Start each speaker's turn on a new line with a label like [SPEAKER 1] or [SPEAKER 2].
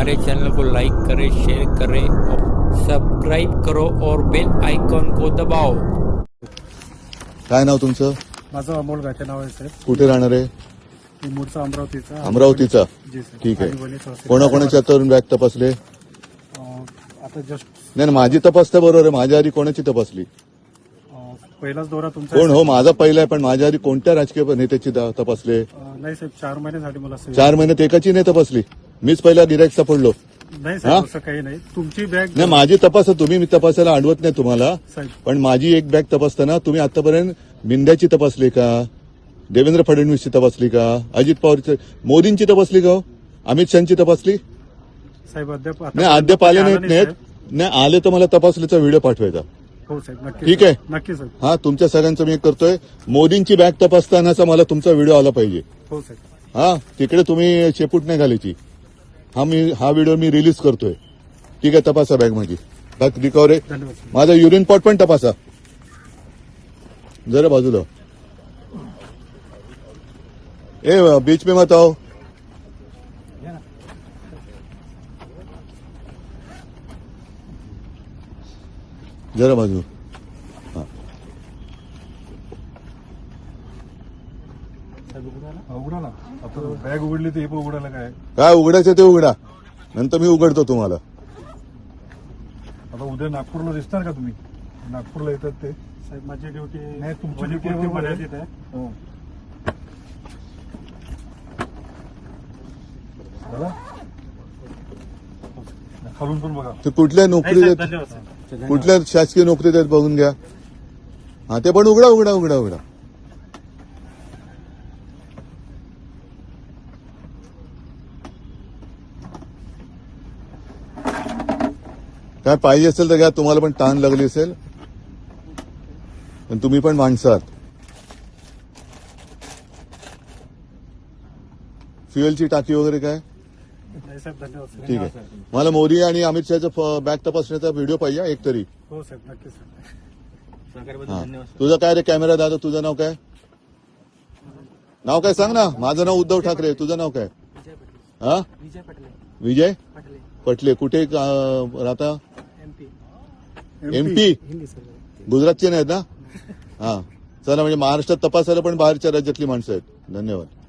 [SPEAKER 1] हमारे चैनल को लाइक करें, शेयर करें और सब्सक्राइब करो और बेल आइकॉन को दबाओ।
[SPEAKER 2] काय नाव तुमचं?
[SPEAKER 3] माझं अमोल गाठे नाव आहे साहेब.
[SPEAKER 2] कुठे राहणार आहे?
[SPEAKER 3] मी मूळचा अमरावतीचा.
[SPEAKER 2] अमरावतीचा.
[SPEAKER 3] जी साहेब.
[SPEAKER 2] ठीक आहे.
[SPEAKER 3] आणि वणी तहसील.
[SPEAKER 2] कोणाकोणाच्या तरुण बॅग तपासले?
[SPEAKER 3] आता जस्ट
[SPEAKER 2] नाही माझी तपासता बरोबर आहे. माझ्या आधी कोणाची तपासली?
[SPEAKER 3] पहिलाच दौरा तुमचा
[SPEAKER 2] कोण हो माझा पहिला आहे, पण माझ्या आधी कोणत्या राजकीय नेत्याची तपासले?
[SPEAKER 3] नाही साहेब, 4 महिने झाले मला सेवा.
[SPEAKER 2] 4 महिन्यात एकाची नाही तपासली. मीच पहिला गिराईक सापडलो.
[SPEAKER 3] नाही साहेब, असं काही नाही. तुमची बॅग
[SPEAKER 2] नाही माझी तपास तुम्ही मी तपासायला अडवत नाही तुम्हाला,
[SPEAKER 3] साहेब.
[SPEAKER 2] पण माझी एक बॅग तपासताना तुम्ही आतापर्यंत बिंद्याची तपासली का? देवेंद्र फडणवीसची तपासली का? अजित पवारची, मोदींची तपासली का? अमित शहाची तपासली?
[SPEAKER 3] साहेब अद्याप
[SPEAKER 2] नाही अद्याप आले नाहीत. नाही आले तर मला तपासलीचा व्हिडिओ पाठवायचा.
[SPEAKER 3] हो साहेब, नक्की.
[SPEAKER 2] ठीक आहे.
[SPEAKER 3] नक्की साहेब.
[SPEAKER 2] हा तुमच्या सगळ्यांचं मी करतोय. मोदींची बॅग तपासतानाचा मला तुमचा व्हिडिओ आला पाहिजे.
[SPEAKER 3] हो साहेब.
[SPEAKER 2] हा तिकडे तुम्ही शेपूट नाही घालायची. हा व्हिडिओ मी रिलीज करतोय. ठीक आहे, तपासा बॅग माझी. बॅग रिकवर आहे.
[SPEAKER 3] धन्यवाद साहेब.
[SPEAKER 2] माझा युरिन पॉट पण तपासा जरा बाजूला. ए बीच में मत आओ. जरा बाजू.
[SPEAKER 3] उघडा ना. आता बॅग उघडली तर हे पण उघडायला काय?
[SPEAKER 2] काय उघडायचं ते उघडा, नंतर मी उघडतो तुम्हाला.
[SPEAKER 3] आता उद्या नागपूरला दिसणार का तुम्ही? नागपूरला येतात ते साहेब. माझी ड्युटी नाही, तुमची ड्युटी मर्यादित आहे. हो. खालून पण बघा.
[SPEAKER 2] ते कुठल्या नोकरी देत,
[SPEAKER 3] धन्यवाद साहेब.
[SPEAKER 2] कुठल्या शासकीय नोकरी देत बघून घ्या. हा ते पण उघडा उघडा उघडा उघडा. काय पाहिजे असेल तर घ्या. तुम्हाला पण ताण लागली असेल, पण तुम्ही पण माणसं आहात. फ्युएलची टाकी वगैरे काय?
[SPEAKER 3] नाही साहेब, धन्यवाद साहेब.
[SPEAKER 2] ठीक आहे. मला मोदी आणि अमित शहाचा बॅग तपासण्याचा व्हिडिओ पाहिजे एक तरी.
[SPEAKER 3] हो साहेब, नक्की साहेब.
[SPEAKER 2] हा. तुझं काय रे कॅमेरा दादा? तुझं नाव काय? नाव काय सांग ना. माझं नाव उद्धव ठाकरे. तुझं नाव काय? हा विजय पटले. कुठे राहता? एमपी. गुजरातचे नाहीत ना? हा चला, म्हणजे महाराष्ट्रात तपासायला पण बाहेरच्या राज्यातली माणसं आहेत. धन्यवाद.